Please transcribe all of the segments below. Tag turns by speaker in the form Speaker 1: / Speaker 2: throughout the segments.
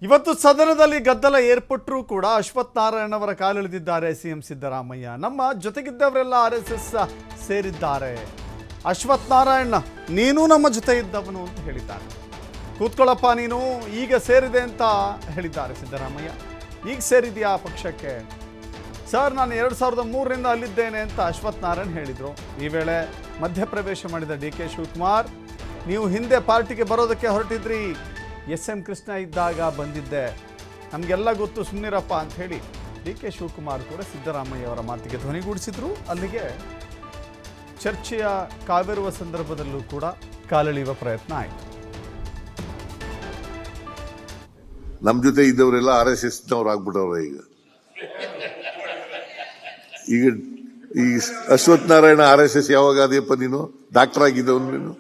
Speaker 1: ಇವತ್ತು ಸದನದಲ್ಲಿ ಗದ್ದಲ ಏರ್ಪಟ್ಟರೂ ಕೂಡ ಅಶ್ವಥ್ ನಾರಾಯಣ್ ಅವರ ಕಾಲೆಳೆದಿದ್ದಾರೆ ಸಿಎಂ ಸಿದ್ದರಾಮಯ್ಯ. ನಮ್ಮ ಜೊತೆಗಿದ್ದವರೆಲ್ಲ RSS ಸೇರಿದ್ದಾರೆ. ಅಶ್ವಥ್ ನಾರಾಯಣ್ ನೀನು ನಮ್ಮ ಜೊತೆ ಇದ್ದವನು ಅಂತ ಹೇಳಿದ್ದಾರೆ. ಕೂತ್ಕೊಳ್ಳಪ್ಪ ನೀನು, ಈಗ ಸೇರಿದೆ ಅಂತ ಹೇಳಿದ್ದಾರೆ ಸಿದ್ದರಾಮಯ್ಯ. ಈಗ ಸೇರಿದೆಯಾ ಪಕ್ಷಕ್ಕೆ? ಸರ್, ನಾನು 2003ರಿಂದ ಅಲ್ಲಿದ್ದೇನೆ ಅಂತ ಅಶ್ವಥ್ ನಾರಾಯಣ್ ಹೇಳಿದರು. ಈ ವೇಳೆ ಮಧ್ಯಪ್ರವೇಶ ಮಾಡಿದ DK ಶಿವಕುಮಾರ್, ನೀವು ಹಿಂದೆ ಪಾರ್ಟಿಗೆ ಬರೋದಕ್ಕೆ ಹೊರಟಿದ್ರಿ, SM ಕೃಷ್ಣ ಇದ್ದಾಗ ಬಂದಿದ್ದೆ, ನಮಗೆಲ್ಲ ಗೊತ್ತು, ಸುಮ್ಮನಿರಪ್ಪ ಅಂತ ಹೇಳಿ DK ಶಿವಕುಮಾರ್ ಕೂಡ ಸಿದ್ದರಾಮಯ್ಯ ಅವರ ಮಾತಿಗೆ ಧ್ವನಿಗೂಡಿಸಿದ್ರು. ಅಲ್ಲಿಗೆ ಚರ್ಚೆಯ ಕಾವೇರುವ ಸಂದರ್ಭದಲ್ಲೂ ಕೂಡ ಕಾಲೆಳೆಯುವ ಪ್ರಯತ್ನ ಆಯಿತು.
Speaker 2: ನಮ್ಮ ಜೊತೆ ಇದ್ದವರೆಲ್ಲ RSSನವ್ರು ಆಗ್ಬಿಟ್ಟವ್ರೆ. ಈಗ ಈ ಅಶ್ವಥ್ ನಾರಾಯಣ RSS ಯಾವಾಗ ಅದೆಯಪ್ಪ? ನೀನು ಡಾಕ್ಟರ್ ಆಗಿದ್ದವನು ನೀನು.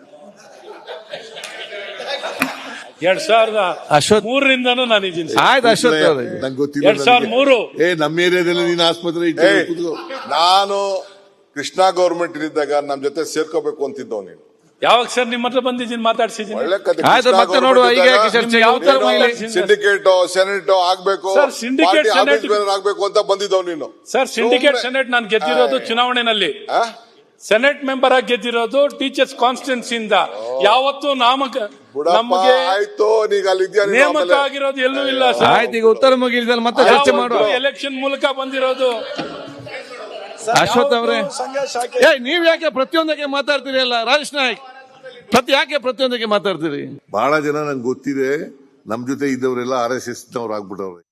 Speaker 3: 2003ರಿಂದನೂ ನಾನಿದ್ದೀನಿ.
Speaker 2: ನಂಗೆ ಗೊತ್ತಿಲ್ಲ.
Speaker 3: 2003
Speaker 2: ನಮ್ಮ ಏರಿಯಾದಲ್ಲಿ ನೀನು ಆಸ್ಪತ್ರೆ
Speaker 4: ನಾನು ಕೃಷ್ಣ ಗೌರ್ಮೆಂಟ್ ಇದ್ದಾಗ ನಮ್ ಜೊತೆ ಸೇರ್ಕೋಬೇಕು ಅಂತಿದ್ದವ್ ನೀನು.
Speaker 3: ಯಾವಾಗ ಸರ್ ನಿಮ್ಮ ಹತ್ರ ಬಂದಿದ್ದೀನಿ, ಮಾತಾಡ್ಸಿದ್ದೀನಿ.
Speaker 4: ಒಳ್ಳೆ ಕತೆ.
Speaker 3: ಸಿಂಡಿಕೇಟ್
Speaker 4: ಸೆನೆಟ್ ಆಗ್ಬೇಕು,
Speaker 3: ಸರ್, ಸಿಂಡಿಕೇಟ್ ಸೆನೆಟ್
Speaker 4: ಆಗ್ಬೇಕು ಅಂತ ಬಂದಿದ್ದವ್ ನೀನು.
Speaker 3: ಸರ್, ಸಿಂಡಿಕೇಟ್ ಸೆನೆಟ್ ನಾನು ಗೆದ್ದಿರೋದು ಚುನಾವಣೆನಲ್ಲಿ. ಸೆನೆಟ್ ಮೆಂಬರ್ ಆಗಿ ಗೆದ್ದಿರೋದು ಟೀಚರ್ಸ್ ಕಾನ್ಸ್ಟಿಟ್ಯೂನ್ಸಿಯಿಂದ. ಯಾವತ್ತು ನಮಗೆ
Speaker 4: ಆಯ್ತು, ನೀಗ ಅಲ್ಲಿ
Speaker 3: ನೇಮಕ ಆಗಿರೋದು ಎಲ್ಲೂ ಇಲ್ಲ ಸರ್.
Speaker 5: ಆಯ್ತು, ಈಗ ಉತ್ತರ ಮುಗಿಲ್ದಲ್ಲಿ ಮತ್ತೆ ಚರ್ಚೆ ಮಾಡುವ.
Speaker 3: ಎಲೆಕ್ಷನ್ ಮೂಲಕ ಬಂದಿರೋದು.
Speaker 5: ಅಶ್ವಥ್ ಅವರೇ, ನೀವ್ ಯಾಕೆ ಪ್ರತಿಯೊಂದಕ್ಕೆ ಮಾತಾಡ್ತೀರಿ? ಅಲ್ಲ ರಾಜೇಶ್ ನಾಯ್ಕ್, ಯಾಕೆ ಪ್ರತಿಯೊಂದಕ್ಕೆ ಮಾತಾಡ್ತೀರಿ?
Speaker 2: ಬಹಳ ಜನ ನಂಗೆ ಗೊತ್ತಿದೆ, ನಮ್ಮ ಜೊತೆ ಇದ್ದವರೆಲ್ಲ RSSನವ್ರು ಆಗ್ಬಿಟ್ಟವ್ರೆ.